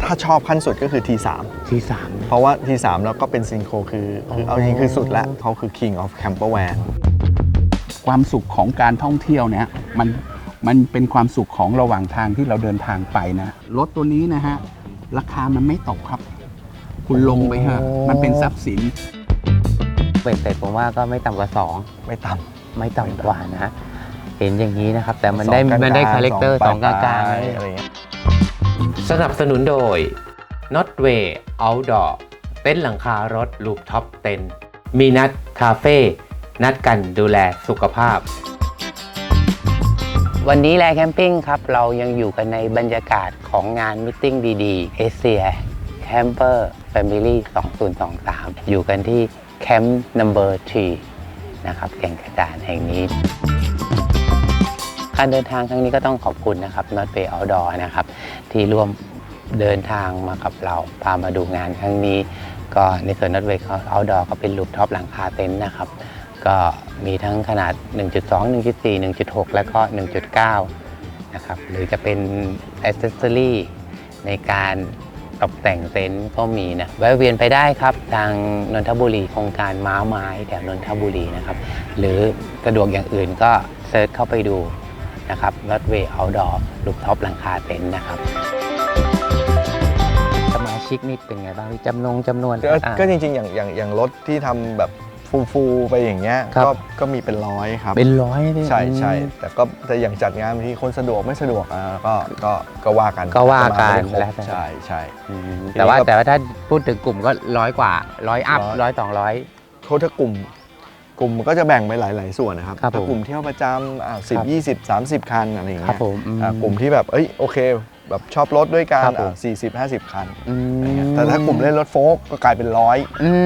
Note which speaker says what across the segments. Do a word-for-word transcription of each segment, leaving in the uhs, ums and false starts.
Speaker 1: ถ้าชอบขั้นสุดก็คือ ที สาม
Speaker 2: ที สาม
Speaker 1: เพราะว่า ที สาม แล้วก็เป็นซินโครคือคือเอาจริงคือสุดแล้วเขาคือ King of Camper Van
Speaker 2: ความสุขของการท่องเที่ยวเนี่ยมันมันเป็นความสุขของระหว่างทางที่เราเดินทางไปนะรถตัวนี้นะฮะราคามันไม่ตกครับคุณลงไปฮะมันเป็นทรัพย์สิน
Speaker 3: เบ็ดเสร็จผมว่าก็ไม่ต่ำกว่าสอง
Speaker 1: ไม่ต่
Speaker 3: ไม่ต่ำกว่านะเห็นอย่างนี้นะครับแต่มันได้มันได้คาแรคเตอร์สองกลางๆอะไรอย่างเงี้ยสนับสนุนโดย Notway Outdoor เต็นท์หลังคารถลูปท็อปเต็นท์มีนัดคาเฟ่นัดกันดูแลสุขภาพวันนี้แลแคมปิ้งครับเรายังอยู่กันในบรรยากาศของงานมิทติ้งดีๆ Asia Camper Family สองพันยี่สิบสามอยู่กันที่แคมป์ นัมเบอร์ ทรี นะครับแก่งกระจานแห่งนี้การเดินทางครั้งนี้ก็ต้องขอบคุณนะครับ Notway Outdoor นะครับที่ร่วมเดินทางมากับเราพามาดูงานครั้งนี้ก็ในส่วน Notway Outdoor ก็เป็นรูฟท็อปหลังคาเต็นท์นะครับก็มีทั้งขนาด หนึ่งจุดสอง หนึ่งจุดสี่ หนึ่งจุดหก แล้วก็ หนึ่งจุดเก้า นะครับหรือจะเป็นแอคเซสซอรี่ในการตกแต่งเต็นท์ก็มีนะแวะเวียนไปได้ครับทางนนทบุรีโครงการม้าไม้แถวนนทบุรีนะครับหรือสะดวกอย่างอื่นก็เซิร์ชเข้าไปดูนะครับ Notway Outdoor รูฟท็อปหลังคาเต็นท์นะครับสมาชิกนี่เป็นไงบ้างจำนงจำนวน
Speaker 1: ำก็จริงๆอย่างอย่างอย่างรถที่ทำแบบฟูๆไปอย่างเงี้ยก็ก็มีเป็นร้อยครับ
Speaker 3: เป็นร้อย
Speaker 1: ใช่ใช่แต่ก็แต่อย่างจัดงานบางทีคนสะดวกไม่สะดวกอ่ะก็ก็ก็ว่ากัน
Speaker 3: ก็ว่ากัน
Speaker 1: แล้วใช่ใช่
Speaker 3: แต่ว่าแต่ว่าถ้าพูดถึงกลุ่มก็ร้อยกว่าร้อยอัพร้อยสองร้อย
Speaker 1: เขาถ้ากลุ่มกลุ่มก็จะแบ่งไปหลายๆส่วนนะครับถ้ากลุ่มเที่ยวประจำอ่าสิบยี่สิบสามสิบคันอะไรอย่างเงี้ยกลุ่มที่แบบเอ้ยโอเคแบบชอบรถด้วยกันสี่สิบห้าสิบคันแต่ถ้ากลุ่มเล่นรถโฟล์กก็กลายเป็นร้อย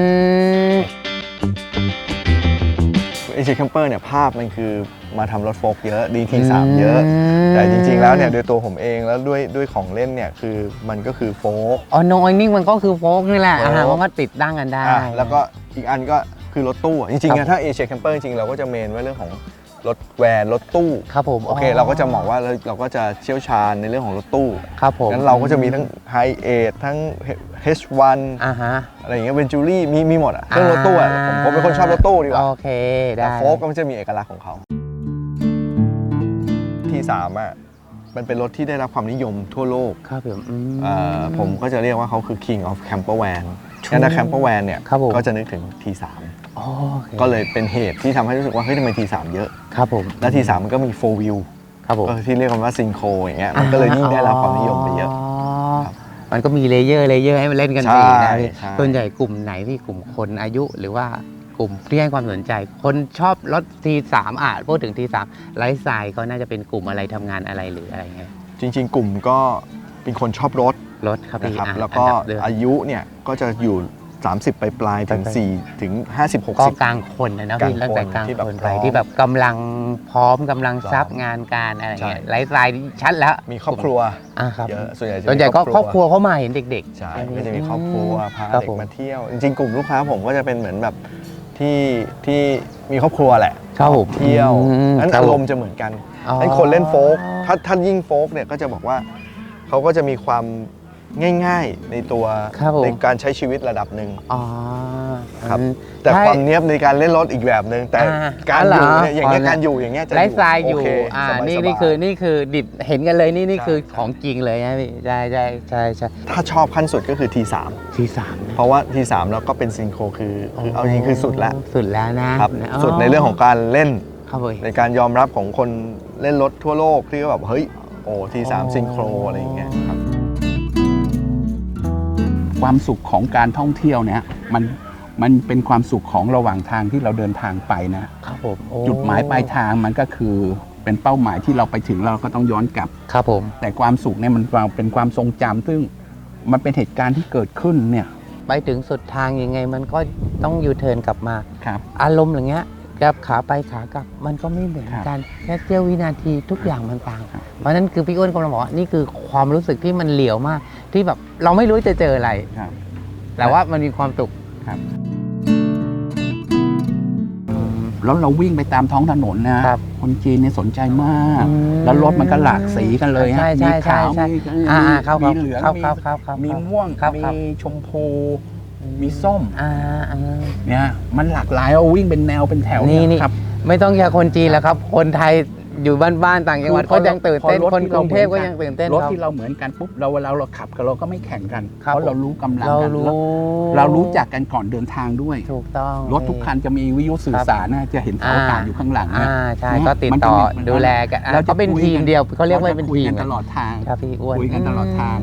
Speaker 1: เอเชียแคมเปอร์เนี่ยภาพมันคือมาทำรถโฟล์กเยอะ ดี ที สาม เยอะแต่จริงๆแล้วเนี่ยโดยตัวผมเองแล้วด้วยด้วยของเล่นเนี่ยคือมันก็คือโฟล์ก
Speaker 3: อ๋อโนไอนิ่งมันก็คือโฟล์กนี่แหละอาหารมันก็ติดตั้งกันได้
Speaker 1: แล้วก็อีกอันก็คือรถตู้จริงๆถ้าเอเชียแคมเปอร์จริงๆเราก็จะเมนไว้เรื่องของรถแวนรถตู้
Speaker 3: ครับผม
Speaker 1: โอเคเราก็จะบอกว่าเราก็จะเชี่ยวชาญในเรื่องของรถตู้
Speaker 3: ครับผม
Speaker 1: งั้นเราก็จะมีทั้งไฮเอททั้ง เอช วัน
Speaker 3: อ่าฮะ
Speaker 1: อะไรอย่างเงี้ยเวนจูรี่มีมีหมดอ่ะเรื่องรถตู้อ่ะผมผมเป็นคนชอบรถตู้ดีกว่า
Speaker 3: โอเคได้
Speaker 1: แต่โฟล์กก็มันจะมีเอกลักษณ์ของเขาที สาม อ่ะมันเป็นรถที่ได้รับความนิยมทั่วโลก
Speaker 3: ครับผม
Speaker 1: ผมก็จะเรียกว่าเขาคือ King of Camper Van งั้นถ้า Camper Van เนี่ยก็จะนึกถึง ที สาม ก็เลยเป็นเหตุที่ทำให้รู้สึกว่าเฮ้ยทำไม ที สาม เยอะ
Speaker 3: ครับผม
Speaker 1: และ ที สาม มันก็มีโฟร์ wheel
Speaker 3: ครับผม
Speaker 1: ก็ที่เรียกกันว่าซินโครอย่างเงี้ยมันก็เลยยิ่งได้รับความนิยมไปเยอะ
Speaker 3: มันก็มีเลเยอร์เลเยอร์ให้มันเล่นกันไปนะส่วนใหญ่กลุ่มไหนที่กลุ่มคนอายุหรือว่ากลุ่มที่ให้ความสนใจคนชอบรถ ที สาม อ่ะพูดถึง ที สาม ไลฟ์สไตล์ก็น่าจะเป็นกลุ่มอะไรทำงานอะไรหรืออะไรเงี้ย
Speaker 1: จริงๆกลุ่มก็เป็นคนชอบรถ
Speaker 3: รถครับ
Speaker 1: นะครับแล้วก็อายุเนี่ยก็จะอยู่สามสิบปลายๆถึงสี่ถึงห้าสิบ หกสิบ
Speaker 3: ก็กลางคนนะพี่ตั้งแต่กลางคนไปที่แบบกำลังพร้อมกำลังซับงานการอะไรเงี้ยไลฟ์สไตล์ชัดแล้ว
Speaker 1: มีครอบครัว
Speaker 3: อ่ะครับ
Speaker 1: เยอะส่วนใหญ่
Speaker 3: ส่วนใหญ่ก็ครอบครัวเข้ามาเห็นเด็ก
Speaker 1: ๆใช่ก็จะมีครอบครัวพาเด็กมาเที่ยวจริงๆกลุ่มลูกค้าผมก็จะเป็นเหมือนแบบที่ที่มีครอบครัวแหละ
Speaker 3: ชอบ
Speaker 1: เที่ยวนั้นอารมณ์จะเหมือนกันนั้นคนเล่นโฟล์กถ้าถ้ายิ่งโฟล์กเนี่ยก็จะบอกว่าเขาก็จะมีความง่ายๆในตัวในการใช้ชีวิตระดับหนึ่งครับแต่ความเนี้ยบในการเล่นรถอีกแบบหนึ่งแต่การอยู่เนี่ยอย่างเงี้ยการอยู่อย่างเงี้ยจะ
Speaker 3: ไลฟ์สไตล์อยู่อ่านี่นี่คือนี่คือดิบเห็นกันเลยนี่นี่คือของจริงเลยนะพี่ใช่ใช่ใช่ใช่
Speaker 1: ถ้าชอบขั้นสุดก็คือ ที สาม
Speaker 3: ที สาม
Speaker 1: เพราะว่า ที สาม แล้วก็เป็นซินโครคือคือเอาจริงคือสุดแล้ว
Speaker 3: สุดแล้วนะครับ
Speaker 1: สุดในเรื่องของการเล่นในการยอมรับของคนเล่นรถทั่วโลกที่แบบเฮ้ยโอ้ ที สาม ซินโครอะไรอย่างเงี้ยครับ
Speaker 2: ความสุขของการท่องเที่ยวเนี่ยมันมันเป็นความสุขของระหว่างทางที่เราเดินทางไปนะครับ
Speaker 3: ผม
Speaker 2: จุดหมายปลายทางมันก็คือเป็นเป้าหมายที่เราไปถึงเราก็ต้องย้อนกลับ
Speaker 3: ครับผม
Speaker 2: แต่ความสุขเนี่ยมันเป็นความทรงจำซึ่งมันเป็นเหตุการณ์ที่เกิดขึ้นเนี่ย
Speaker 3: ไปถึงสุดทางยังไงมันก็ต้องยูเทิร์นกลับมา
Speaker 2: ครับ
Speaker 3: อารมณ์อย่างเงี้ยกับขาไปขากลับมันก็ไม่เหมือนกันแค่เสี้ยววินาทีทุกอย่างมันต่างเพราะนั้นคือพี่อ้วนกำลังบอกว่านี่คือความรู้สึกที่มันเหลียวมากที่แบบเราไม่รู้จะเจออะไรแต่ว่ามันมีความสุข
Speaker 2: ครับรแล้วเราวิ่งไปตามท้องถนนนะครับ คนจีนเนี่ยสนใจมาก
Speaker 3: อืม
Speaker 2: แล้วรถมันก็หลากสีกันเลยฮะ
Speaker 3: ใช่ใช่
Speaker 2: มีขาว
Speaker 3: ใช่
Speaker 2: มี
Speaker 3: อ่าๆครับ
Speaker 2: มีเหลือง
Speaker 3: ครับ
Speaker 2: มี
Speaker 3: ครับครับครับ
Speaker 2: มีม่วง
Speaker 3: ครับ
Speaker 2: มี
Speaker 3: ครับ
Speaker 2: ชมพู มีส้ม
Speaker 3: อ่าอ่า
Speaker 2: เนี่ยมันหลากหลายเอาวิ่งเป็นแนวเป็นแถว
Speaker 3: นี่นี่
Speaker 2: ครับ
Speaker 3: ไม่ต้องแค่คนจีนแล้วครับ คนไทยอยู่บ้านๆต่างจังหวัด
Speaker 2: คือพอ
Speaker 3: ก็ยังตื่นเต้น
Speaker 2: พอรถ
Speaker 3: คน
Speaker 2: ที่
Speaker 3: กรุงเทพ
Speaker 2: เราเหมื
Speaker 3: ก็
Speaker 2: อนกัน
Speaker 3: ยังตื่นเต้น
Speaker 2: รถ
Speaker 3: ครับ
Speaker 2: ที่เราเหมือนกันปุ๊บเราเวลาเราขับกันเราก็ไม่แข่งกัน
Speaker 3: ครับ
Speaker 2: เพราะเรารู้กำลัง
Speaker 3: เรา
Speaker 2: กัน
Speaker 3: รู้
Speaker 2: แล้วเรารู้จักกันก่อนเดินทางด้วย
Speaker 3: ถูกต้อง
Speaker 2: รถทุกคันจะมีวิทยุสื่อสารนะจะเห็นเสาอากาศอยู่ข้างหลัง
Speaker 3: อ่า
Speaker 2: นะ
Speaker 3: ใช่
Speaker 2: เนี่ย
Speaker 3: ก็ติด
Speaker 2: มันจะ
Speaker 3: ต่อ
Speaker 2: มี
Speaker 3: ดูแลกันอ่ะ
Speaker 2: เราจะ
Speaker 3: เขาเป็น
Speaker 2: คุย
Speaker 3: ทีม
Speaker 2: กัน
Speaker 3: เดียวเขาเรียกว่า
Speaker 2: จะ
Speaker 3: เป็น
Speaker 2: คุย
Speaker 3: ทีม
Speaker 2: กันตลอดทาง
Speaker 3: ครับพี่อ้วน
Speaker 2: คุยกันตลอดทาง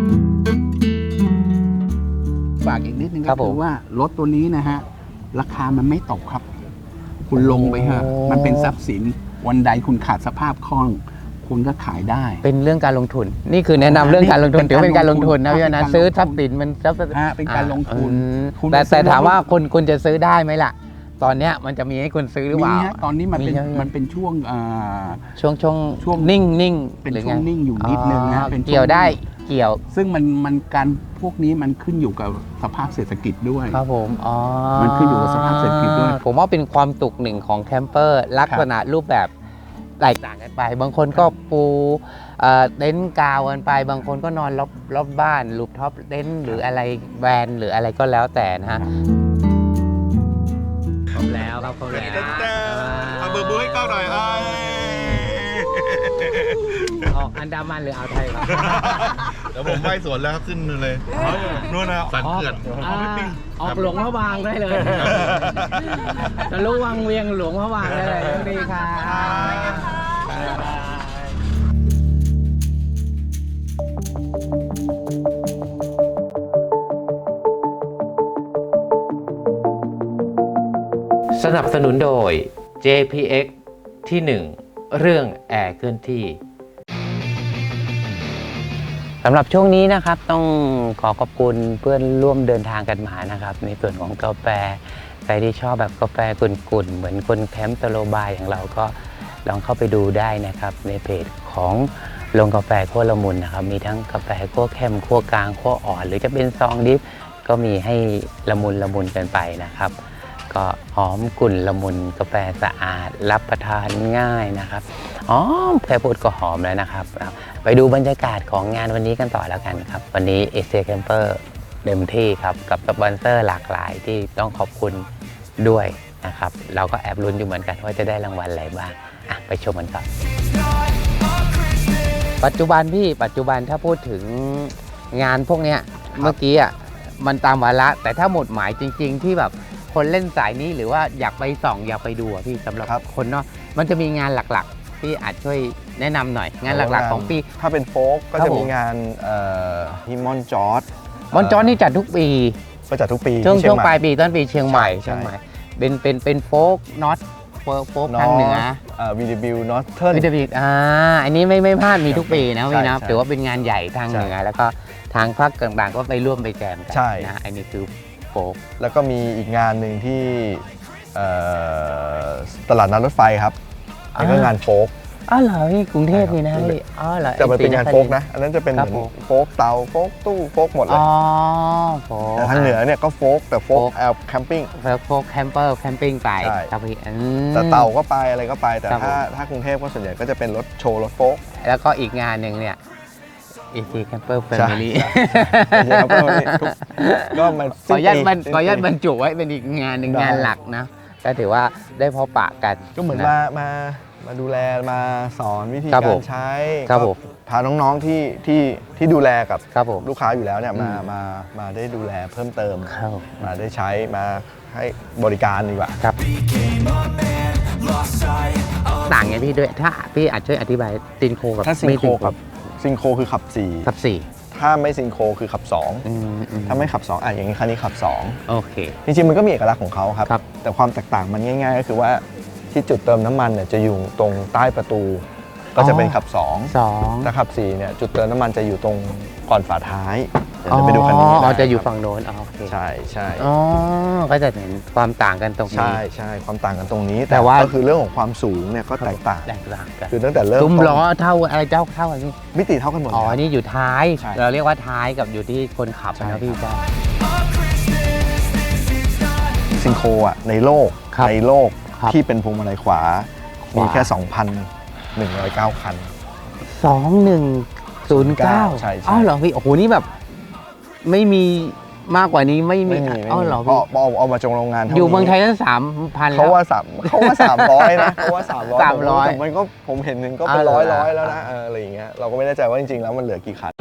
Speaker 2: ฝากอีกนิดนึง
Speaker 3: ครั
Speaker 2: ก็
Speaker 3: บผม
Speaker 2: คือว่ารถตัวนี้นะฮะราคามันไม่ตกครับ คุณลงไปเถอะ
Speaker 3: โอ้
Speaker 2: มันเป็นทรัพย์สินวันใดคุณขาดสภาพคล่อง คุณก็ขายได้
Speaker 3: เป็นเรื่องการลงทุน นี่คือแนะนำเรื่องการลงทุน
Speaker 2: เป็น
Speaker 3: ถือว่าเป็นการลงทุนนะ
Speaker 2: เป็น
Speaker 3: พี่
Speaker 2: การ
Speaker 3: นะ
Speaker 2: ลงทุน
Speaker 3: ซื้อทรัพย์สินมันทรัพย์
Speaker 2: ฮะเป็นการลงทุน
Speaker 3: อืม
Speaker 2: คุณ
Speaker 3: แต่
Speaker 2: ไปซื้
Speaker 3: แต่
Speaker 2: อ
Speaker 3: ถามว่า
Speaker 2: รถ
Speaker 3: คุณคุณจะซื้อได้ไหมล่ะ ตอนเนี้ยมันจะมีให้คุณซื้อหรือเป
Speaker 2: มี
Speaker 3: ล่า
Speaker 2: ฮะตอนนี้มันเป็น
Speaker 3: มีใช่ไหม
Speaker 2: มันเป็นช่วงอ่า
Speaker 3: ช่วงช่วง
Speaker 2: ช่วง
Speaker 3: นิ่งนิ่ง
Speaker 2: เป็น
Speaker 3: หรือ
Speaker 2: ช่วง
Speaker 3: ไ
Speaker 2: นิ่งอยู่นิดนึงนะ
Speaker 3: อ๋อ
Speaker 2: เป็นช่วง
Speaker 3: เกี่ยวได้เกี่ยว
Speaker 2: ซึ่งมันมันการพวกนี้มันขึ้นอยู่กับสภาพเศรษฐกิจด้วย
Speaker 3: ครับผมอ๋อ
Speaker 2: มันขึ้นอยู่กับสภาพเศรษฐกิจด้วย
Speaker 3: ผมว่าเป็นความตุกหนึ่งของแคมเปอร์ลักษณะรูปแบบแตกต่างกันไป บางคนก็ปูเอ่อเต็นท์กาวกันไป บางคนก็นอนรอบรอบบ้านรูปท็อปเต็นท์หรืออะไรแวนหรืออะไรก็แล้วแต่นะฮะครบแล้วครับครบแล้ว
Speaker 1: เอาเบอร์บูให้ก้าวหน่อยไอ้
Speaker 3: ออกอันดามันหรืออ่าวไทยครับ
Speaker 1: เดี๋ยวผมไปสวนแล้วครับขึ้นเลยนู่นนะสันเขื่อน
Speaker 3: อ่าออกหลวงพระบางได้เลยจะรู้วังเวียงหลวงพระบางได้เลยดีค่ะสนับสนุนโดย เจ พี เอ็กซ์ ที่ หนึ่ง เรื่องแอร์เคลื่อนที่สำหรับช่วงนี้นะครับต้องขอขอบคุณเพื่อนร่วมเดินทางกันมานะครับในส่วนของกาแฟใครที่ชอบแบบกาแฟกุ่นๆเหมือนคนแคมป์ตะโลบายอย่างเราก็ลองเข้าไปดูได้นะครับในเพจของโรงกาแฟขั้วละมุนนะครับมีทั้งกาแฟขั้วเข้มขั้วกลางขั้วอ่อนหรือจะเป็นซองดิฟก็มีให้ละมุนละมุนกันไปนะครับก็หอมกลุ่นละมุนกาแฟสะอาดรับประทานง่ายนะครับอ๋อแค่พูดก็หอมแล้วนะครับไปดูบรรยากาศของงานวันนี้กันต่อแล้วกันครับวันนี้ เอ ซี Camper เต็มที่ครับกับสปอนเซอร์หลากหลายที่ต้องขอบคุณด้วยนะครับเราก็แอบลุ้นอยู่เหมือนกันว่าจะได้รางวัลอะไรบ้างอ่ะไปชมกันครับปัจจุบันพี่ปัจจุบันถ้าพูดถึงงานพวกเนี้ยเมื่อกี้อ่ะมันตามวาระแต่ถ้าหมดหมายจริงๆที่แบบคนเล่นสายนี้หรือว่าอยากไปส่องอยากไปดูอ่ะพี่สำหรับคนเนาะมันจะมีงานหลักๆที่อาจช่วยแนะนำหน่อยงานหลักๆของปี
Speaker 1: ถ้าเป็นโฟกก็
Speaker 3: ครับ
Speaker 1: จะ
Speaker 3: ผม
Speaker 1: มีงานเอ่อที่มอนจอร์ด
Speaker 3: มอนจอนนี่จัดทุกปี
Speaker 1: ก็จัดทุกปี
Speaker 3: ช่วง
Speaker 1: ที่เชี
Speaker 3: ช่
Speaker 1: ยว ง
Speaker 3: ง
Speaker 1: ให
Speaker 3: ป
Speaker 1: ม่
Speaker 3: ลายปีต้นปีเชียงใหม่
Speaker 1: ใช่
Speaker 3: เชียงใหม่เป็นเป็นเป็นโฟกน็อตโฟกโฟกทางเหนือ
Speaker 1: วีดีบิวนอตเทิร์น
Speaker 3: วิตามินอ่าอันนี้ไม่ไม่พลาดมีทุกปีนะพี่นะ
Speaker 1: ใช่
Speaker 3: ถือว่าเป็นงานใหญ่ทาง
Speaker 1: ใช่
Speaker 3: เหนือแล้วก็ทางภาคกลางๆก็ไปร่วมไปแจมกั
Speaker 1: ใช่
Speaker 3: นะอันนี้คือโฟก
Speaker 1: แล้วก็มีอีกงานหนึ่งที่เอ่อตลาดนัดรถไฟครับอันนี้ก็
Speaker 3: อ่าง
Speaker 1: งานโฟก
Speaker 3: อ๋อเหรอพี่กรุงเทพนี่นะ
Speaker 1: ใช่ครับ
Speaker 3: พี่อ๋อเหรอ
Speaker 1: แต่มันเป็นงาน
Speaker 3: ไอ้
Speaker 1: โฟ
Speaker 3: ศรี
Speaker 1: กนะ อันนั้นจะเป็น
Speaker 3: ครั
Speaker 1: เห
Speaker 3: บ
Speaker 1: มือน
Speaker 3: ผม
Speaker 1: โฟกเตาโฟกตู้โฟกหมดเลย
Speaker 3: อ๋อโฟก
Speaker 1: แต่ทางเหนือเนี่ยก็โฟกแต่โฟก
Speaker 3: โฟก
Speaker 1: แอลแคมปิ้ง
Speaker 3: โฟกแคมเปอร์แคมปิ้งไป
Speaker 1: ใช่
Speaker 3: ครับพี่อืม
Speaker 1: แต่เตาก็ไปอะไรก็ไป แต่
Speaker 3: ครับ
Speaker 1: ถ้าถ้ากรุงเทพก็ส่วนใหญ่ก็จะเป็นรถโชว์รถโฟก
Speaker 3: แล้วก็อีกงานหนึ่งเนี่ย เอ ซี Camper Family
Speaker 1: ใช่ครับก็ทุกก็มัน
Speaker 3: ขออนุญาตบรร
Speaker 1: สิ้นปี
Speaker 3: ขออนุญาตบรรจุไว้เป็นอีกงานหนึ่ง
Speaker 1: ได้
Speaker 3: งานหลักนะก็ถือว่าได้พบปะกัน
Speaker 1: ก็เหมือนะ มามามาดูแลมาสอนวิธี
Speaker 3: ครับ
Speaker 1: กา
Speaker 3: ผ
Speaker 1: ร
Speaker 3: ม
Speaker 1: ใช้
Speaker 3: ครับ
Speaker 1: ก็
Speaker 3: ผม
Speaker 1: พาน้องๆที่ที่ที่ดูแลกับ
Speaker 3: ครับผม
Speaker 1: ลูกค้าอยู่แล้วเนี่ยมา
Speaker 3: อืม
Speaker 1: มามาได้ดูแลเพิ่มเติม
Speaker 3: ครับ
Speaker 1: มาได้ใช้มาให้บริการดีกว่า
Speaker 3: ครับต่างไงพี่ด้วยถ้าพี่อาจช่วยอธิบายซินโคกับ
Speaker 1: ถ้าซิง
Speaker 3: ไม่
Speaker 1: โครกับซิงโครคือขับสี่
Speaker 3: กับสี่
Speaker 1: ถ้าไม่ซิงโครคือขับสอง
Speaker 3: อืมอืม
Speaker 1: ถ้าไม่ขับสองอ่ะอย่างนี้คันนี้ขับสอง
Speaker 3: โอเค
Speaker 1: จริงๆมันก็มีเอกลักษณ์ของเขาครับ
Speaker 3: ครับ
Speaker 1: แต่ความแตกต่างมันง่าย ๆ ก็คือว่าที่จุดเติมน้ำมันเนี่ยจะอยู่ตรงใต้ประตู ก็จะเป็นขับสอง
Speaker 3: สอง
Speaker 1: ถ้าขับสี่เนี่ยจุดเติมน้ำมันจะอยู่ตรงก่อนฝาท้ายเดี๋ยวจะไปดูคันนี้
Speaker 3: อ๋อ
Speaker 1: ได้
Speaker 3: จะอยู่
Speaker 1: ครับ
Speaker 3: ฝั่งโน้นอ๋อโอเค
Speaker 1: ใช่ใช่
Speaker 3: อ๋อก็จะเห็นความต่างกันตรงนี้
Speaker 1: ใช่ใช่ความต่างกันตรงนี้
Speaker 3: แต่ว่า
Speaker 1: ก็คือเรื่องของความสูงเนี่ยก็แตกต่าง
Speaker 3: แตกต่างกัน
Speaker 1: คือตั้งแต่เริ่ม
Speaker 3: ซุ้ม
Speaker 1: ต้น
Speaker 3: ล้อเท่าอะไรเจ้าเท่ากันพี่
Speaker 1: มิติเท่ากันหมด
Speaker 3: อ๋อ
Speaker 1: เลยครับ
Speaker 3: นี่อยู่ท้าย
Speaker 1: ใช่
Speaker 3: เราเรียกว่าท้ายกับอยู่ที่คนขับ
Speaker 1: ใช่
Speaker 3: นะพี่
Speaker 1: ครับ
Speaker 3: จ้า
Speaker 1: ซิงโครอ่ะในโลก
Speaker 3: ครับ
Speaker 1: ในโลกที่เป็นพวงมาลัยขวามีแค่ สองพันหนึ่งร้อยเก้า คัน
Speaker 3: สองพันหนึ่งร้อยเก้า
Speaker 1: ใช่ใช่
Speaker 3: อ้าวเหรอพี่โอ้โหนี่แบบไม่มีมากกว่านี้ไม่มี
Speaker 1: ไม่มีไม่
Speaker 3: อ้าว
Speaker 1: มี
Speaker 3: เหรอ
Speaker 1: เพราะ
Speaker 3: พี่
Speaker 1: เอาเอามาจงโรงงานท่า
Speaker 3: อยู่เมืองไทย
Speaker 1: นี้
Speaker 3: ตั้งสามพัน
Speaker 1: เขาว่าสามเขาว่าสามร้อยนะเขาว่าสามร้อย
Speaker 3: สามร้อย
Speaker 1: แต่มันก็ผมเห็นหนึ่งก็เป็น
Speaker 3: อ่า
Speaker 1: ร้อย
Speaker 3: เหรอ
Speaker 1: ร้อยแล้วนะเอออะไรอย่างเงี้ยเราก็ไม่แน่ใจว่าจริงๆแล้วมันเหลือกี่คัน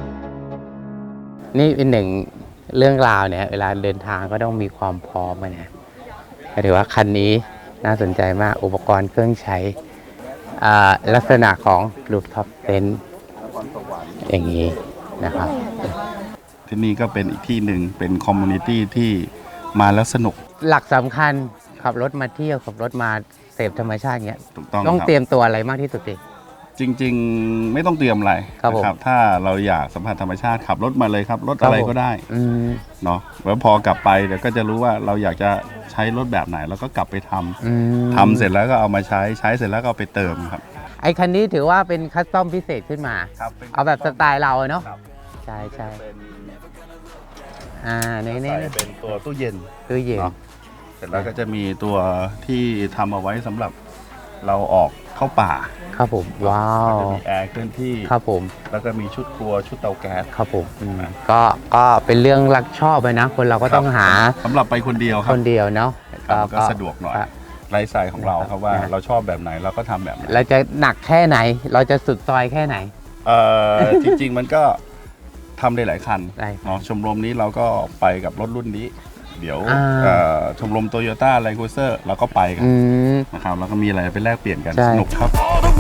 Speaker 3: นี่เป็นหนึ่งเรื่องราวเนี่ยเวลาเดินทางก็ต้องมีความพร้อมอะนะก็ถือว่าคันนี้น่าสนใจมากอุปกรณ์เครื่องใช้อ่าลักษณะของรูฟท็อปเต็นท์อย่างนี้นะครับ
Speaker 2: ที่นี่ก็เป็นอีกที่หนึ่งเป็นคอมมูนิตี้ที่มาแล้วสนุก
Speaker 3: หลักสำคัญขับรถมาเที่ยวขับรถมาเสพธรรมชาติเงี้ย
Speaker 2: ถูกต้อง
Speaker 3: ต้อง
Speaker 2: ครับ
Speaker 3: เตรียมตัวอะไรมากที่สุดดิ
Speaker 2: จริง ๆ ไม่ต้องเตรียมอะไร
Speaker 3: ครับผม
Speaker 2: นะถ้าเราอยากสัมผัสธรรมชาติขับรถมาเลยครับ รถอะไรก็ได้
Speaker 3: อืม
Speaker 2: เนาะแล้วพอกลับไปเดี๋ยวก็จะรู้ว่าเราอยากจะใช้รถแบบไหนเราก็กลับไปทำ
Speaker 3: อืม
Speaker 2: ทำเสร็จแล้วก็เอามาใช้ใช้เสร็จแล้วก็เอาไปเติมครับ
Speaker 3: ไอ้คันนี้ถือว่าเป็นคัสตอมพิเศษขึ้นมา
Speaker 2: ครับ
Speaker 3: เอาแบบสไตล์เราอะเนาะ
Speaker 2: ครับ
Speaker 3: ใช่ใช่
Speaker 2: เป็น
Speaker 3: อ่าใน
Speaker 2: ใส่
Speaker 3: นี้
Speaker 2: เป็นตัวตู้เย็น
Speaker 3: ตู้เย็น
Speaker 2: เนาะ เสร็จแล้วก็จะมีตัวที่ทำเอาไว้สำหรับเราออกเข้าป่า
Speaker 3: ครับผมว้าว
Speaker 2: จะมีแอร์เคลื่อนที่
Speaker 3: ครับผม
Speaker 2: แล้วก็มีชุดครัวชุดเตาแก๊ส
Speaker 3: ครับผมอืมก็ก็เป็นเรื่องรักชอบไปนะ คนเราก็ต้องหา
Speaker 2: สำหรับไปคนเดียวค
Speaker 3: ครับ นเดียวเนาะ
Speaker 2: ครับก็สะดวกหน่อย
Speaker 3: ครับ
Speaker 2: ไลฟ์สไตล์ของเราครับว่า
Speaker 3: นะ
Speaker 2: เราชอบแบบไหนเราก็ทำแบบนั้น
Speaker 3: เราจะหนักแค่ไหน เราจะสุดซอยแค่ไหน
Speaker 2: เอ่อ จริง ๆ มันก็ทำได้หลายคัน
Speaker 3: ได้
Speaker 2: เนาะชมรมนี้เราก็ไปกับรถรุ่นนี้ เดี๋ยว
Speaker 3: อ่า
Speaker 2: เอ่อชมรมโตโยต้าไลคูเซอร์เราก็ไปกัน
Speaker 3: อืม
Speaker 2: นะครับแล้วก็มีอะไรไปแลกเปลี่ยนกัน
Speaker 3: ใช่
Speaker 2: สนุกครับ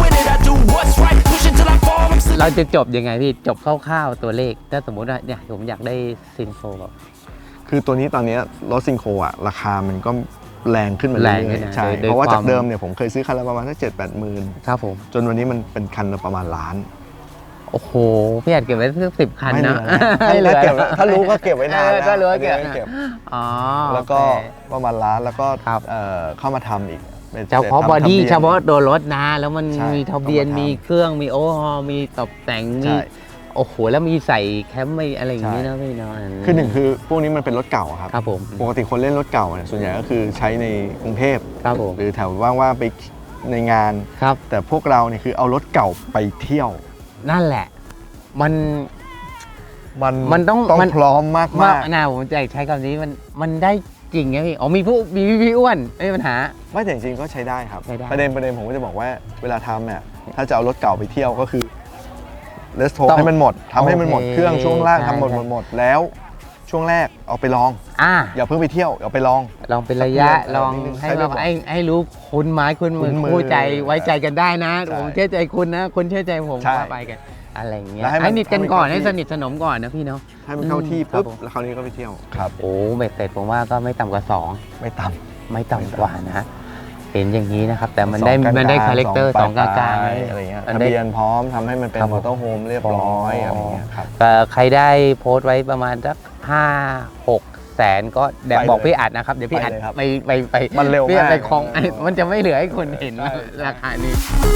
Speaker 3: เราจะจบยังไงพี่ จบคร่าวๆตัวเลข ถ้าสมมุติว่าเนี่ยผมอยากได้ซินโฟแบบ
Speaker 1: คือตัวนี้ตอนนี้รถซิงโครอ่ะราคามันก็แรงขึ้นมา
Speaker 3: แร
Speaker 1: เรื่
Speaker 3: งขึ้
Speaker 1: อย
Speaker 3: นนะ
Speaker 1: ๆใช่
Speaker 3: โดยโดย
Speaker 1: เพราะว่า
Speaker 3: ความ
Speaker 1: จากเดิมเนี่ยผมเคยซื้อคันละประมาณสักเจ็ดแปดหมื่น
Speaker 3: ครับผม
Speaker 1: จนวันนี้มันเป็นคันละประมาณล้าน
Speaker 3: โอ้โห พี่อาจเก็บไว้สักสิบคัน
Speaker 1: ไม่เหลื
Speaker 3: นะ
Speaker 1: อถ้าเก็บถ้ารู้ก็เก็บไว้นาน
Speaker 3: เออ
Speaker 1: นะ
Speaker 3: ถ้ารู้ก็เก็บ
Speaker 1: ไม่เก็บ
Speaker 3: อ๋อ
Speaker 1: แล้วก็
Speaker 3: โอเค
Speaker 1: ประมาณล้านแล้วก็
Speaker 3: ครับ
Speaker 1: เอ่อเข้ามาทำอีกป็น
Speaker 3: เฉพาะ
Speaker 1: ทำ
Speaker 3: บอดี้
Speaker 1: ทะบียน
Speaker 3: เฉพาะตัวรถนะ แล้วมัน
Speaker 1: ใช่
Speaker 3: มีทะเบียน
Speaker 1: ต้องมาทำ
Speaker 3: มีเครื่องมีโอเวอร์ฮอลมีตกแต่ง
Speaker 1: ใช่
Speaker 3: มีโอ้โหแล้วมีใส่แคมป์ไม่อะไรอย่างนี้
Speaker 1: ใช่
Speaker 3: นะพี่เนาะ
Speaker 1: คือหนึ่งคือพวกนี้มันเป็นรถเก่าอะครับ
Speaker 3: ครับผม
Speaker 1: ปกติคนเล่นรถเก่าเนี่ยส่วนใหญ่ก็คือใช้ในกรุงเทพ
Speaker 3: ครับผม
Speaker 1: หรือแถวว่างๆไปในงาน
Speaker 3: ครับ
Speaker 1: แต่พวกเราเนี่ยคือเอารถเก่าไปเที่ยว
Speaker 3: นั่นแหละ มัน
Speaker 1: มัน
Speaker 3: มันต้อง
Speaker 1: ต้อง
Speaker 3: มัน
Speaker 1: พร้อมมาก
Speaker 3: ว่าม
Speaker 1: าก
Speaker 3: น่าผมจะใช้คำนี้มันมันได้จริงไงพี่อ๋อมีผู้มีพี่อ้วนไม่มีปัญหา
Speaker 1: ไม่แต่จริงๆก็ใช้ได้ครับ
Speaker 3: ใช้ได้
Speaker 1: ประเด็นประเด็นผมก็จะบอกว่าเวลาทำเนี่ยถ้าจะเอารถเก่าไปเที่ยวก็คือเลสโท
Speaker 3: ต้อง
Speaker 1: ให้มันหมดทำให้มันหมด
Speaker 3: โอเค
Speaker 1: เครื่องช่วงล่าง
Speaker 3: ใช่
Speaker 1: ทำหมดหมดหมดแล้วช่วงแรกเอาไปลอง
Speaker 3: อ่า
Speaker 1: อย่าเพิ่งไปเที่ยวเอาไปลอง
Speaker 3: ลองเป็นระยะ
Speaker 1: สักเดือน
Speaker 3: ลอง
Speaker 1: นิดนึง
Speaker 3: ให้
Speaker 1: ให้
Speaker 3: เรา
Speaker 1: เรียบร้อย
Speaker 3: ให้ให้รู้คุณไม้คุณมือ
Speaker 1: คุ้นมือ
Speaker 3: คู่ใจไว้ใจกันได้นะ
Speaker 1: ใช่
Speaker 3: ผมเชื่อใจคุณนะ คุณเชื่อใจผม
Speaker 1: ใช่
Speaker 3: ว่าไปกันอะไรอย่างเงี้ย
Speaker 1: แล้วให้มัน
Speaker 3: ให้สนิทกันก่อน
Speaker 1: ให้มัน
Speaker 3: ให้สนิทสนมก่อนนะพี่เนาะ
Speaker 1: ให้มันเข้าที่
Speaker 3: อืมครับ
Speaker 1: ปุ๊บ
Speaker 3: ผม
Speaker 1: แล้วคราวนี้ก็ไปเที่ยวครับ
Speaker 3: โอ้เบ็ดเสร็จผมว่าก็ไม่ต่ำกว่าสอง
Speaker 1: ไม่ต่
Speaker 3: ไม่ต่ำกว่านะ เห็นอย่างนี้นะครับ แต่
Speaker 1: ำ
Speaker 3: มันได้
Speaker 1: สองกลงๆ
Speaker 3: มันได้คาแรคเตอร์สองกลาง
Speaker 1: ปล
Speaker 3: ๆ
Speaker 1: ยๆอะไรเงี้ย
Speaker 3: มัน
Speaker 1: ทะ
Speaker 3: ได้
Speaker 1: เบียนพร้อมทำให้มันเป็น
Speaker 3: ครับ
Speaker 1: มอเตอร์โฮมเรียบร้อยอะไรเงี้ยครับ
Speaker 3: เอ่อใครได้โพสต์ไว้ประมาณสักห้าหกแสนก็แดบ
Speaker 1: ไปเลย
Speaker 3: บอกพี่อัดนะครับเดี๋ยวพี่อัด
Speaker 1: ไปเลยครับ
Speaker 3: ไปไปไป
Speaker 1: มันเร็ว
Speaker 3: พี่อัด
Speaker 1: มาก
Speaker 3: ไปคลองไอ้มันจะไม่เหลือให้คนเห็น
Speaker 1: ใช่
Speaker 3: ราคานี้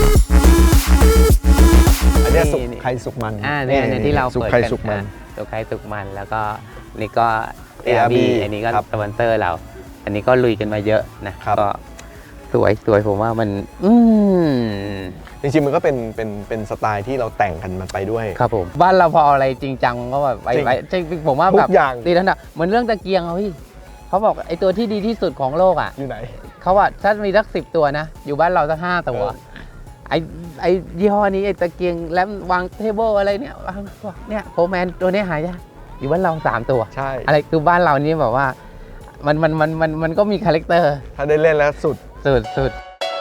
Speaker 1: อันเนี้ยสุก
Speaker 3: นี่
Speaker 1: ใครสุกมัน
Speaker 3: อ่าเนี่ยเนี่ยที่เรา
Speaker 1: สุก
Speaker 3: เปิด
Speaker 1: ใคร
Speaker 3: กัน
Speaker 1: สุกมัน
Speaker 3: อ่ะสุกใครสุกมันแล้วก็นี่ก็
Speaker 1: เอ อาร์ บี
Speaker 3: เอ อันนี้ก็
Speaker 1: ครับ
Speaker 3: สปอนเซอร์เรา อันนี้ก็ลุยกันมาเยอะนะครับ ก็สวยสวยผมว่ามัน อืม
Speaker 1: จริงๆมันก็เป็นเป็นเป็นสไตล์ที่เราแต่งกันมันไปด้วย
Speaker 3: ครับผมบ้านเราพออะไรจริงจังก็แบบไป
Speaker 1: จริง
Speaker 3: ไปจริงผมว่า
Speaker 1: ทุ
Speaker 3: แบบ
Speaker 1: กอย่าง
Speaker 3: ตีทันดะเหมือนเรื่องตะเกียงอะพี่เขาบอกไอ้ตัวที่ดีที่สุดของโลกอ่ะ
Speaker 1: อยู่ไหน
Speaker 3: เขาว่าถ้ามีสักสิบตัวนะ อยู่บ้านเราสักห้าตัว
Speaker 1: เออ
Speaker 3: ไอ้ไอ้ยี่ห้อนี้ไอ้ตะเกียงแลมวางเทเบิลอะไรเนี่ยวางเนี่ยโฟร์แมนตัวนี้หายากอยู่บ้านเราสามตัว
Speaker 1: ใช่
Speaker 3: อะไรคือบ้านเรานี่แบบว่ามันมันมันมันมันก็มีคาแรคเตอร์
Speaker 1: ถ้าได้เล่นแล้วสุด
Speaker 3: สุดสุด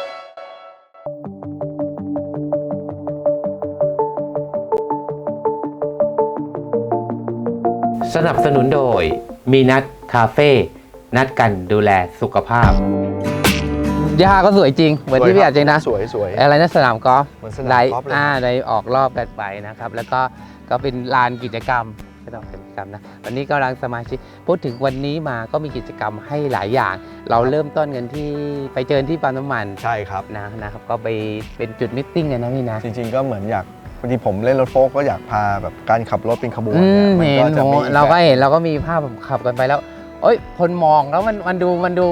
Speaker 3: สนับสนุนโดยมีนัดคาเฟ่นัดกันดูแลสุขภาพย่าก็สวยจริง เหมือนที่พี่อาจจริงนะ
Speaker 1: สวยสวย
Speaker 3: อะไรนะสนามกอล์ฟ
Speaker 1: เหมือนสนาม
Speaker 3: ได้
Speaker 1: กอล์ฟเลย
Speaker 3: อ่าได้ออกรอบกันไปนะครับ แล้วก็ก็เป็นลานกิจกรรมไม่ต้องเป็นกิจกรรมนะวันนี้กำลังสมาชิกพูดถึงวันนี้มาก็มีกิจกรรมให้หลายอย่าง เราเริ่มต้นกันที่ไปเจอที่ปั๊มน้ำมัน
Speaker 1: ใช่ครับ
Speaker 3: นะนะครับก็ไปเป็นจุดมิทติ้งกันนะพี่นะ
Speaker 1: จริงๆก็เหมือนอยากบางทีผมเล่นรถโฟล์กก็อยากพาแบบการขับรถเป็นขบวน
Speaker 3: อื
Speaker 1: เนี่ย
Speaker 3: ม
Speaker 1: มัน
Speaker 3: เห็น
Speaker 1: ก็จะ
Speaker 3: โห
Speaker 1: มี
Speaker 3: เราก็
Speaker 1: แบบ
Speaker 3: เห็นเราก็มีภาพแบบขับกันไปแล้วเอ้ยคนมองแล้วมันมันดูมันดู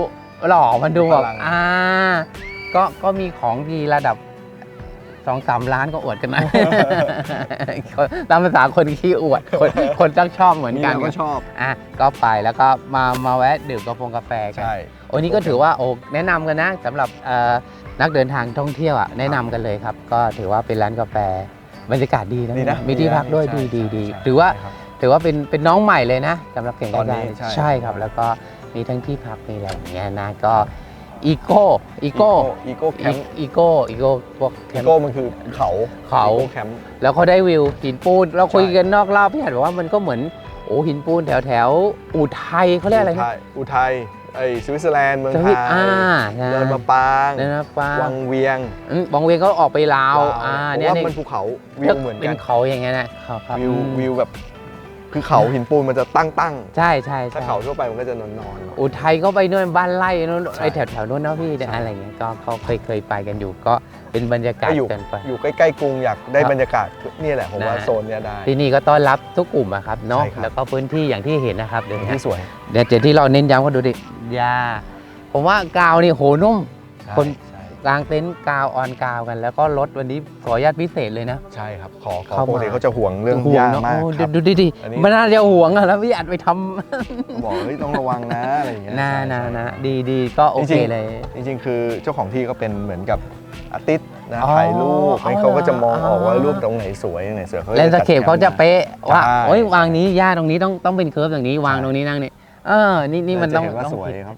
Speaker 3: หล่อมันดูแบบ
Speaker 1: พลัง
Speaker 3: อ่าก็ก็มีของดีระดับสองสามล้านก็อวดกันนะ ตามภาษาคนขี้อวดคนคนต้องชอบเหมือน
Speaker 1: มี
Speaker 3: กัน
Speaker 1: เราก็ชอบ
Speaker 3: อ่ะก็ไปแล้วก็มามาแวะดื่มกาแฟกาแฟกัน
Speaker 1: ใช่
Speaker 3: โอ้นี่ก็ถือว่าโอ้แนะนำกันนะสำหรับเอ่อนักเดินทางท่องเที่ยวอ่ะแนะนำกันเลยครับ ก็ถือว่าเป็นร้านกาแฟบรรยากาศดีนะ
Speaker 1: ดีนะ
Speaker 3: มีที่พักด้วย
Speaker 1: ใช่
Speaker 3: ดีดีดี
Speaker 1: ใช่
Speaker 3: ถือว่า
Speaker 1: ใช่ครับ
Speaker 3: ถือว่าเป็นเป็นน้องใหม่เลยนะสำหรับเก่ง
Speaker 1: ต
Speaker 3: ก
Speaker 1: อ
Speaker 3: ระ
Speaker 1: นนี้
Speaker 3: จาย
Speaker 1: ใช่
Speaker 3: ใช่ครับ แล้วก็มีทั้งที่พักมีอะไรอย่างเงี้ยนะก็อีโก้อีโก้
Speaker 1: อีโก้แคมป์
Speaker 3: อีโก้อีโก้พวกแค
Speaker 1: อี
Speaker 3: มป์
Speaker 1: โก้มันคือเขา
Speaker 3: เขา
Speaker 1: อีโก้แคมป์
Speaker 3: แล้วเขาได้วิวหินปูนเราคุย
Speaker 1: ใช่
Speaker 3: กันนอกรอบพี่หัดบอกว่ามันก็เหมือนโอ้หินปูนแถวแถวอุทัยเขาเรียกอะไร
Speaker 1: อุ
Speaker 3: นะ
Speaker 1: ทัยอุทัยไอสวิตเซอร์แลนด์เมือง
Speaker 3: ส
Speaker 1: ไท
Speaker 3: วิ
Speaker 1: ย
Speaker 3: ตอ่านะ
Speaker 1: เดินมาปาง
Speaker 3: เดินมาปาง
Speaker 1: วังเวียง
Speaker 3: อืมบางเวียนเขาออกไปลาวอ่า
Speaker 1: ผม
Speaker 3: เนี่ย
Speaker 1: ว่า
Speaker 3: เนี่ย
Speaker 1: มันภูเขาวิวเหมือน
Speaker 3: เป็
Speaker 1: กัน น
Speaker 3: เขาอย่างเงี้ยนะเขาครับ
Speaker 1: วิว
Speaker 3: อืม
Speaker 1: วิวแบบคือเขาหินปูนมันจะตั้งตั้ง
Speaker 3: ใช่ใช่
Speaker 1: ๆถ้า
Speaker 3: ใช่
Speaker 1: เขาทั่วไปมันก็จะนอนนอนๆ
Speaker 3: อุทัยก็ไปนู่นบ้านไร่นู่น
Speaker 1: ใช่
Speaker 3: ไอแถวแถวๆนู้นนะพี่
Speaker 1: ใช่
Speaker 3: อะไรเงี้ยก็เขาเคยเคยไปกันอยู่ก็เป็นบรรยากาศ
Speaker 1: ก็อยู่
Speaker 3: กันไป
Speaker 1: อยู่ใกล้ๆกรุงอยากได้
Speaker 3: ครับ
Speaker 1: บรรยากาศนี่แหละผมว่า
Speaker 3: นะ
Speaker 1: โซนเนี้ยได้
Speaker 3: ที่นี่ก็ต้อนรับทุกกลุ่มอะครับเนาะ
Speaker 1: ใช่ครับ
Speaker 3: แล้วก็พื้นที่อย่างที่เห็นนะครับเดี๋ยวนี้
Speaker 1: ที่สวย
Speaker 3: เดี๋ยวเดี๋ยวที่เราเน้นย้ำก็ดูดิยาผมว่ากาวนี่โหนุ่ม คน
Speaker 1: ใช่
Speaker 3: กลางเต็นท์กาวออนกาวกัน แล้วก็รถวันนี้ขออนุญาตพิเศษเลยนะ
Speaker 1: ใช่ครับขอขอ
Speaker 3: เข้ามา
Speaker 1: ปกติเขาจะห่วงเรื่อง
Speaker 3: ห่ว
Speaker 1: หญ้า
Speaker 3: เนอะ
Speaker 1: มาก
Speaker 3: โอ้
Speaker 1: ครับ
Speaker 3: ดูดิดิ
Speaker 1: อันนี้
Speaker 3: มันน่าจะห่วงอะแล้วพี่อัดไปทำ
Speaker 1: บอกเฮ้ยต้องระวังนะอะไรอย่างเงี้ย
Speaker 3: นะ
Speaker 1: ใช่
Speaker 3: นะ
Speaker 1: ใช่
Speaker 3: นะดีดีก็โอเค
Speaker 1: จริงๆ
Speaker 3: เลย
Speaker 1: จริงๆ คือเจ้าของที่ก็เป็นเหมือนกับอาร์ติสต์นะ
Speaker 3: อ๋อ
Speaker 1: ถ่ายรูป
Speaker 3: อ๋อ
Speaker 1: เขาก็จะมองออกว่า
Speaker 3: อ๋อ
Speaker 1: รูปตรงไหนสวยตรงไหนสวยเขา
Speaker 3: เลนสเคปเขาจะเป๊ะว่า
Speaker 1: ใช่
Speaker 3: โอ้ยวางนี้ย่าตรงนี้ต้องต้องเป็นเคิร์ฟอย่างนี้วางตรงนี้นั่งนี่เออนี่นี่มัน
Speaker 1: จะ
Speaker 3: ต้อง
Speaker 1: เห็นว่า
Speaker 3: ต้อง
Speaker 1: สวย
Speaker 3: คิด
Speaker 1: ครับ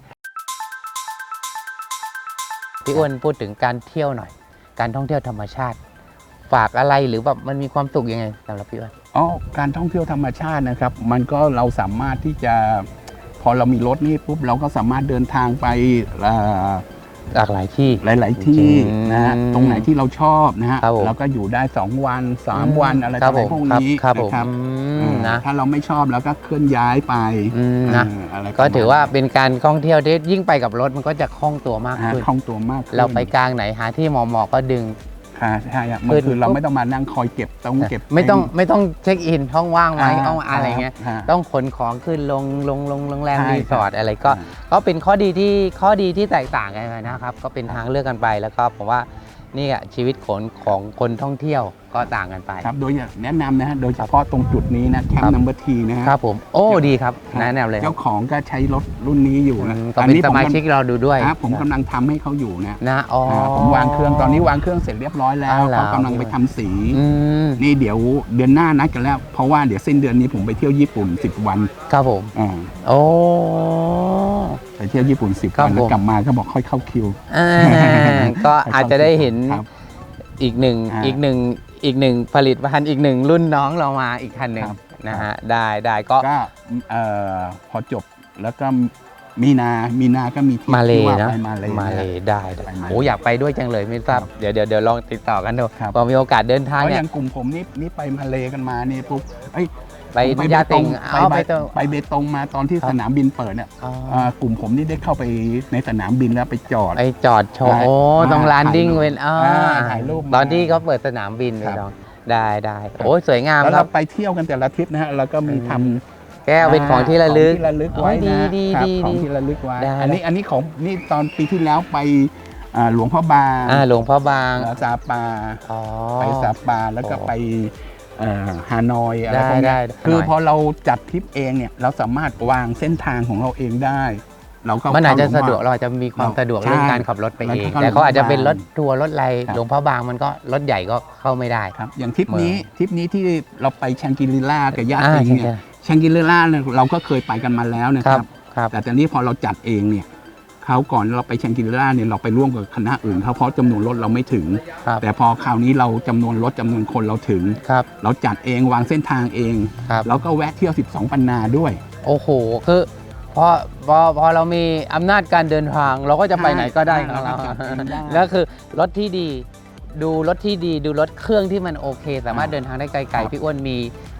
Speaker 3: พี่อ้วนพูดถึงการเที่ยวหน่อย การท่องเที่ยวธรรมชาติ ฝากอะไรหรือแบบมันมีความสุขยังไงสำหรับพี่อ้วน
Speaker 2: อ๋อการท่องเที่ยวธรรมชาตินะครับ มันก็เราสามารถที่จะพอเรามีรถนี่ปุ๊บเราก็สามารถเดินทางไปเอ่อ
Speaker 3: หลากหลายที่
Speaker 2: หลาย ๆ ที่
Speaker 3: อืม
Speaker 2: นะฮะตรงไหนที่เราชอบนะฮะ
Speaker 3: ครับผม
Speaker 2: เราก็อยู่ได้สองวันสามวันอะไร
Speaker 3: ครั
Speaker 2: ต่
Speaker 3: บ
Speaker 2: ออะไร
Speaker 3: ผม
Speaker 2: พวกนี้
Speaker 3: ครับผม
Speaker 2: นะครับ
Speaker 3: อืม
Speaker 2: เออ
Speaker 3: นะ
Speaker 2: ถ้าเราไม่ชอบเราก็เคลื่อนย้ายไป
Speaker 3: อืมนะ
Speaker 2: เอออะไรประมณ
Speaker 3: ก็ถือว่าเป็นการท่องเที่ยวที่ยิ่งไปกับรถมันก็จะคล่องตัวมาก
Speaker 2: ฮะ
Speaker 3: ขึ้น
Speaker 2: คล่องตัวมากขึ้น
Speaker 3: เราไปกลางไหนหาที่เหมาะๆก็ดึง
Speaker 2: ค่ะใช่อะมัน
Speaker 3: ขึ้น
Speaker 2: คือเรา
Speaker 3: ปุ๊บ
Speaker 2: ไม่ต้องมานั่งคอยเก็บต้องเก็บ
Speaker 3: ไม่ต้องไม่ต้องเช็คอินห้องว่างไหม
Speaker 2: า
Speaker 3: ห้องอะไรเงี้ย
Speaker 2: ฮะ
Speaker 3: ต้องขนของขึ้นลงลงลงโรงแรม
Speaker 2: ใช่
Speaker 3: รีสอร์ทอะไรก็
Speaker 2: อ่า
Speaker 3: ก็เป็นข้อดีที่ข้อดีที่แตกต่างกันไปนะครับ ก็เป็นทางเลือกกันไปแล้วก็ผมว่านี่อะชีวิตของของคนท่องเที่ยวก็ต่างกันไป
Speaker 2: ครับโดยแนะนำนะฮะโดยเฉพาะตรงจุดนี้นะแคม
Speaker 3: ครับ
Speaker 2: ป์นัมเบอร์ทีนะฮะ
Speaker 3: ครับผมโอ้ดีครับ
Speaker 2: ครับ
Speaker 3: แนะนำเลยครั
Speaker 2: เจ้า
Speaker 3: บ
Speaker 2: ของก็ใช้รถรุ่นนี้อยู่
Speaker 3: อื
Speaker 2: นะ
Speaker 3: มก็เป็นสมาชิกเราดูด้วย
Speaker 2: ครับผมกำลังทำให้เขาอยู่นะ
Speaker 3: นะอ๋ออา
Speaker 2: ผมวางเครื่องตอนนี้วางเครื่องเสร็จเรียบร้อยแล้ว
Speaker 3: อ้าวเหรอ
Speaker 2: เขากำลังไปทำสี
Speaker 3: อืม
Speaker 2: นี่เดี๋ยวเดือนหน้านัดกันแล้ว เพราะว่าเดี๋ยวสิ้นเดือนนี้ผมไปเที่ยวญี่ปุ่นสิบวัน
Speaker 3: ครับผม
Speaker 2: อ่า
Speaker 3: โอ้
Speaker 2: ไปเที่ยวญี่ปุ่นสิบ
Speaker 3: ครับ
Speaker 2: วันแล้ว
Speaker 3: ผม
Speaker 2: กลับมาก็บอกค่อยเข้าคิว
Speaker 3: อ่าก็อาจจะได้เห็น
Speaker 2: ครับ
Speaker 3: อีกหนึ่ง
Speaker 2: อ่า
Speaker 3: อีกหนึ่งอีกหนึ่งผลิตภัณฑ์อีกหนึ่งรุ่นน้องเรามาอีกคันหนึ่ง
Speaker 2: ครับ
Speaker 3: นะฮะได้ได้ก็
Speaker 2: ก็เอ่อพอจบแล้วก็มีนา มีนาก็มีที่
Speaker 3: มาเล
Speaker 2: ที่ว่า
Speaker 3: นะ
Speaker 2: ไปมาเลย
Speaker 3: มาเลได้ได้
Speaker 2: ไปมาเล
Speaker 3: โอ้อยากไปด้วยจังเลยไม่ทราบ
Speaker 2: ครับ
Speaker 3: เดี๋ยวเดี๋ยวเดี๋ยวลองติดต่อกันดู
Speaker 2: ครับ
Speaker 3: พอมีโอกาสเดินทาง
Speaker 2: เพราะอ
Speaker 3: เนี่ย
Speaker 2: ย่างกลุ่มผมนี่นี่ไปมาเลกันมานี่ปุ๊บเอ้ย
Speaker 3: ไป
Speaker 2: ผม
Speaker 3: ยาติง
Speaker 2: ไป
Speaker 3: เอา
Speaker 2: เบ
Speaker 3: ไป
Speaker 2: ต
Speaker 3: ต
Speaker 2: งไปเบตงมาตอนที่
Speaker 3: ครับ
Speaker 2: สนามบินเปิดเนี่ย
Speaker 3: อ๋อ
Speaker 2: เอ่อกลุ่มผมนี่ได้เข้าไปในสนามบินแล้วไปจอด
Speaker 3: ไปจอดโชว์
Speaker 2: ได้
Speaker 3: โอ้ต้อง
Speaker 2: อ่า
Speaker 3: ลานดิ้ง
Speaker 2: ถ่ายรูป
Speaker 3: เป็นอ่า
Speaker 2: อ่าถ่ายรูปมา
Speaker 3: ตอนที่เขาเปิดสนามบินไป
Speaker 2: ครับ
Speaker 3: ลองได้ได้โอ้ยสวยงาม
Speaker 2: แล้ว
Speaker 3: ครั
Speaker 2: เรา
Speaker 3: บ
Speaker 2: ไปเที่ยวกันแต่ละทริปนะฮะแล้วก็มีทำ
Speaker 3: แก้วเป็นของที่ระลึก
Speaker 2: ของที่ระลึกไว้
Speaker 3: โอ้ยดี
Speaker 2: นะ
Speaker 3: ดี
Speaker 2: ครับ
Speaker 3: ดี
Speaker 2: ของ
Speaker 3: ดี
Speaker 2: ที่ระลึกไว้
Speaker 3: ได้
Speaker 2: อันนี้อันนี้ของนี่ตอนปีที่แล้วไปอ่าหลวงพ่อบาง
Speaker 3: อ่าหลวงพ่อบาง
Speaker 2: ซาปา
Speaker 3: อ๋อ
Speaker 2: ไปซาปาแล้วก็
Speaker 3: โอ้
Speaker 2: ไปเอ่อฮานอยอะไร
Speaker 3: ได้
Speaker 2: พวก
Speaker 3: ได้
Speaker 2: เนี้ย
Speaker 3: ได้
Speaker 2: คือ
Speaker 3: ฮานอย
Speaker 2: พอเราจัดทริปเองเนี่ยเราสามารถวางเส้นทางของเราเองได้ เราก็
Speaker 3: มันอาจจะ
Speaker 2: เข้
Speaker 3: สะดวก
Speaker 2: หล
Speaker 3: เราอาจจะมีความ
Speaker 2: เรา
Speaker 3: สะดวก
Speaker 2: ใช่
Speaker 3: เรื่องการขับรถไปเอง
Speaker 2: แล้วก็
Speaker 3: แต่เขาอาจจะเป็นรถ
Speaker 2: หลวงพ่อบาง
Speaker 3: ทัวร์รถอะไร
Speaker 2: ครับ
Speaker 3: หลวงพ่อบางมันก็รถใหญ่ก็เข้าไม่ได้
Speaker 2: ครับอย่างทริปนี้
Speaker 3: เมือง
Speaker 2: ทริปนี้ที่เราไปแชงกิลิล่ากับญาติ
Speaker 3: อ่า
Speaker 2: เอง
Speaker 3: ใช่
Speaker 2: เนี่ย
Speaker 3: ใช่
Speaker 2: แชงกิลิล่าเนี่ยเราก็เคยไปกันมาแล้วนะ
Speaker 3: ค
Speaker 2: ค
Speaker 3: รั
Speaker 2: รั
Speaker 3: บบ ครับ
Speaker 2: แต่ตอนนี้พอเราจัดเองเนี่ยเขาก่อนเราไปแชงกิลิล่าเนี่ยเราไปร่วมกับคณะอื่นเขาเพราะจำนวนรถเราไม่ถึง
Speaker 3: ครับ
Speaker 2: แต่พอคราวนี้เราจำนวนรถจำนวนคนเราถึง
Speaker 3: ครับ
Speaker 2: เราจัดเองวางเส้นทางเอง
Speaker 3: ครับ
Speaker 2: แล้วก็แวะเที่ยว สิบสอง ปันนาด้วย
Speaker 3: โอ้โหคือพอพอพอเรามีอำนาจการเดินทาง เราก็จะไปไหนก็ได้ของเรา
Speaker 2: เราก็จัดเองได้
Speaker 3: แล้วคือรถที่ดี ดูรถที่ดีดูรถเครื่องที่มันโอเค สามารถเดินทางได้ไกล
Speaker 2: ครับ
Speaker 3: ๆพี่อ้วนมี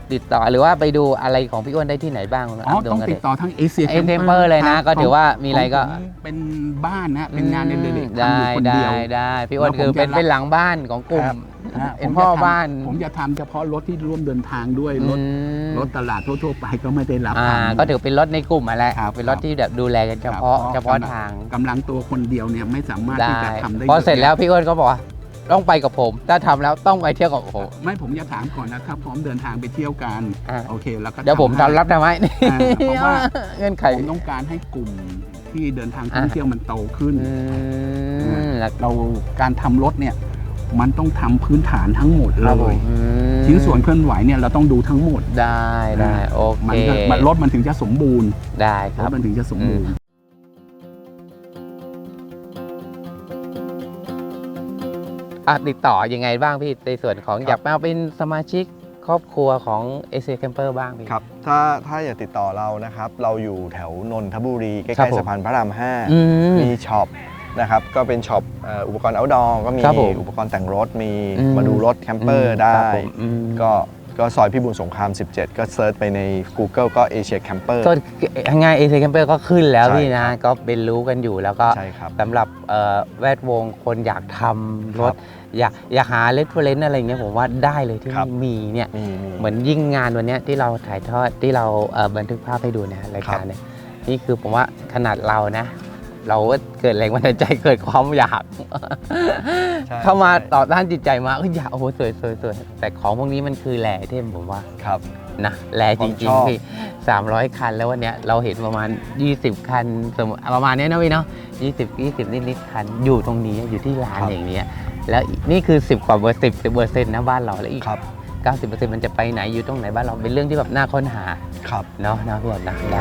Speaker 3: ติดต่อหรือว่าไปดูอะไรของพี่อ้วนได้ที่ไหนบ้าง
Speaker 2: อ๋อต้องติดต่อทั้งเอเชีย
Speaker 3: เอ็มเทมเปอร์เลยนะก็ถือว่ามีอะไรก็
Speaker 2: เป็นบ้านนะเป็นงานเด็กๆ
Speaker 3: ได้
Speaker 2: ทำอยู่คน
Speaker 3: ได้
Speaker 2: เดียว
Speaker 3: ได้พี่อ้วนคือเป็นเป็นหลังบ้านของกลุ่มเป็นพ่อบ้าน
Speaker 2: ผมจะทำเฉพาะรถที่ร่วมเดินทางด้วยรถรถตลาดทั่วๆไปก็ไม่ได้รับทำ
Speaker 3: ก็ถือเป็นรถในกลุ่มอะไรเป็นรถที่แบบดูแลกันเฉพาะเฉพาะทาง
Speaker 2: กำลังตัวคนเดียวเนี่ยไม่สามารถที่จะทำได้
Speaker 3: พอเสร็จแล้วพี่อ้วนก็บอกว่าต้องไปกับผมถ้าทำแล้วต้องไปเที่ยวกับผม
Speaker 2: ไม่ผมจะถามก่อนนะครับพร้อมเดินทางไปเที่ยวกันโอเคแล้วก็
Speaker 3: เดี๋ยวผมทำรับได้ไหม
Speaker 2: เพราะว่า
Speaker 3: เงื่อนไข
Speaker 2: ผมต้องการให้กลุ่มที่เดินทางท่องเที่ยวมันโตขึ้นเราการทำรถเนี่ยมันต้องทำพื้นฐานทั้งหมดเลยชิ้นส่วนเคลื่อนไหวเนี่ยเราต้องดูทั้งหมด
Speaker 3: ได้ได้โอเค
Speaker 2: มันรถมันถึงจะสมบูรณ์
Speaker 3: ได้ครั
Speaker 2: บรถมันถึงจะสมบูรณ์
Speaker 3: ติดต่อยังไงบ้างพี่ในส่วนของอยากมาเป็นสมาชิกครอบครัวของเอเชียแคมเปอร์บ้างพี่
Speaker 1: ครับถ้าถ้าอยากติดต่อเรานะครับเราอยู่แถวนนทบุรีใกล้ๆสะพานพระรามห้ามีช็อปนะครับก็เป็นช็อปอุปกรณ์ outdoor ก็มีอุปกรณ์แต่งรถมีมาดูรถแคมเปอร์ได้ก็ก็ซอยพิบูลสงครามสิบเจ็ดก็เซิร์ชไปใน Google ก็ Asia Camper
Speaker 3: ก็ง่าย Asia Camper ก็ขึ้นแล้วพี่นะก็เป็นรู้กันอยู่แล้วก็สำหรับแวดวงคนอยากทำรถอยากอยากหาเรฟเฟอเรนซ์อะไรเงี้ยผมว่าได้เลยที่มีเนี่ยเหมือนยิ่งงานวันนี้ที่เราถ่ายทอดที่เราบันทึกภาพให้ดูนะรายการเนี่ยนี่คือผมว่าขนาดเรานะเราเกิดแรงบันดาลใจเกิดความอยากเข้ามาต่อต้านจิตใจมาอยากโอ้โหสวยสวยสวยแต่ของพวกนี้มันคือแหล่เทมผมว่า
Speaker 1: ครับ
Speaker 3: นะแหล่จริงๆพี่สามร้อยคันแล้ววันนี้เราเห็นประมาณยี่สิบคันประมาณนี้นะพี่เนาะยี่สิบ ยี่สิบนิดๆคันอยู่ตรงนี้อยู่ที่ลานอย่างนี้แล้วนี่คือสิบกว่าเปอร์เซ็นต์สิบเปอร์เซ็นต์นะบ้านเราแล้วอีกเก้าสิบเปอร์เซ็นต์มันจะไปไหนอยู่ตรงไหนบ้านเราเป็นเรื่องที่แบบน่าค้นหา
Speaker 1: ครับ
Speaker 3: เนาะนะพี่นะได้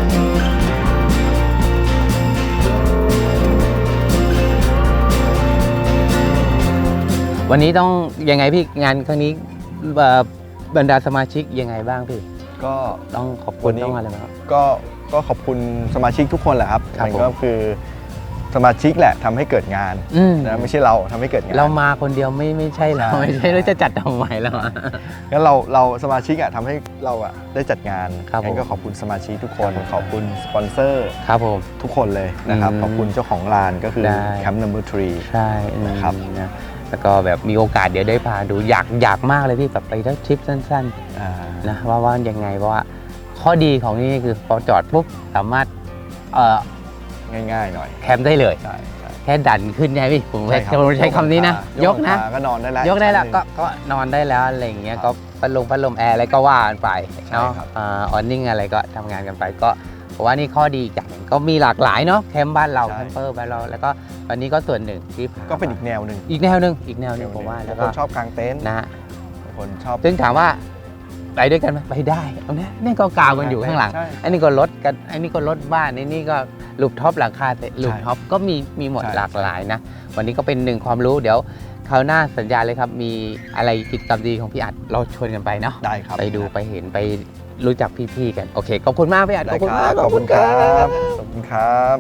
Speaker 3: วันนี้ต้องยังไงพี่งานครั้งนี้บรรดาสมาชิกยังไงบ้างพี่
Speaker 1: ก็
Speaker 3: ต้องขอบคุณต้องอะไรครับ
Speaker 1: ก็ก็ขอบคุณสมาชิกทุกคนแหละครับมันก็คือสมาชิกแหละทำให้เกิดงานนะไม่ใช่เราทำให้เกิดงาน
Speaker 3: เรามาคนเดียวไม่ไม่ใช่เราไม่ใช่เราจะจัดทำไมแล้ว
Speaker 1: งั้นเราเราสมาชิกอ่ะทำให้เราอ่ะได้จัดงานงั้นก็ขอบคุณสมาชิกทุกคนขอบคุณสปอนเซอร์
Speaker 3: ครับผม
Speaker 1: ทุกคนเลยนะครับขอบคุณเจ้าของร้านก็คือแคมป์นัมเบอร์ทรี
Speaker 3: ใช่
Speaker 1: นะครับ
Speaker 3: แล้วก็แบบมีโอกาสเดี๋ยวได้พาดูอยากอยากมากเลยพี่แบบไปได้ทริปสั้นๆนะว่าว่ายังไงเพราะว่าข้อดีของนี่คือพอจอดปุ๊บสามารถเอ่อ
Speaker 1: ง่ายๆหน่อย
Speaker 3: แคมป์ได้เลยแค่ดันขึ้นไงพี่ผมใช้คำนี้นะยกนะ
Speaker 1: ก็นอนได้แล้ว
Speaker 3: ยกได้แล้วก็ก็นอนได้แล้วอะไรอย่างเงี้ยก็พัดลมพัดลมแอร์อะไรก็ว่ากันไปเนาะออนนิ่งอะไรก็ทำงานกันไปก็เพราะว่านี่ข้อดีอย่างก็มีหลากหลายเนาะแคมป์บ้านเราแคมเปอร์บ้านเราแล้วก็วันนี้ก็ส่วนหนึ่งที่
Speaker 1: ก็เป็นอีกแนวหนึ่ง
Speaker 3: อีกแนวหนึ่งอีกแนวหนึ่งผมว่า
Speaker 1: แล้วก็ชอบกางเต็นท์
Speaker 3: นะ
Speaker 1: คนชอบ
Speaker 3: ซึ่งถามว่าไปด้วยกันไหมไปได้เอาเนี้ยนี่ก็กาวกันอยู่ข้างหลังอันนี้ก็รถกันอันนี้ก็รถบ้านนี่นี่ก็ลูปท็อปหลังคาลูปท็อปก็มีมีหมดหลากหลายนะวันนี้ก็เป็นหนึ่งความรู้เดี๋ยวคราวหน้าสัญญาเลยครับมีอะไรกิจกรรมดีของพี่อัดเราชวนกันไปเนาะ
Speaker 1: ได้ครับ
Speaker 3: ไปดูไปเห็นไปรู้จักพี่ๆกันโอเคขอบคุณมากพี่อัด
Speaker 1: ขอบคุณมากขอบคุณครับขอบคุณครับ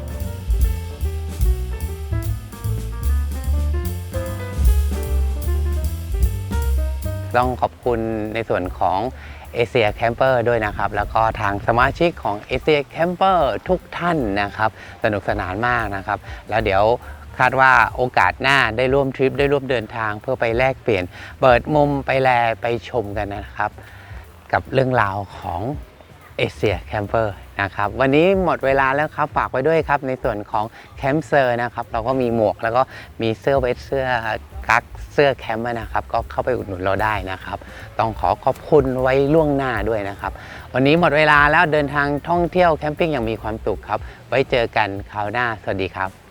Speaker 3: ต้องขอบคุณในส่วนของเอเชียแคมเปอร์ด้วยนะครับแล้วก็ทางสมาชิกของเอเชียแคมเปอร์ทุกท่านนะครับสนุกสนานมากนะครับแล้วเดี๋ยวคาดว่าโอกาสหน้าได้ร่วมทริปได้ร่วมเดินทางเพื่อไปแลกเปลี่ยนเปิดมุมไปแลไปชมกันนะครับกับเรื่องราวของเอเชียแคมเปอร์นะครับวันนี้หมดเวลาแล้วครับฝากไว้ด้วยครับในส่วนของแคมป์เซอร์นะครับเราก็มีหมวกแล้วก็มีเสื้อเวทเสื้อกั๊กเสื้อแคมป์นะครับก็เข้าไปอุดหนุนเราได้นะครับต้องขอขอบคุณไว้ล่วงหน้าด้วยนะครับวันนี้หมดเวลาแล้วเดินทางท่องเที่ยวแคมปิ้งอย่างมีความสุขครับไว้เจอกันคราวหน้าสวัสดีครับ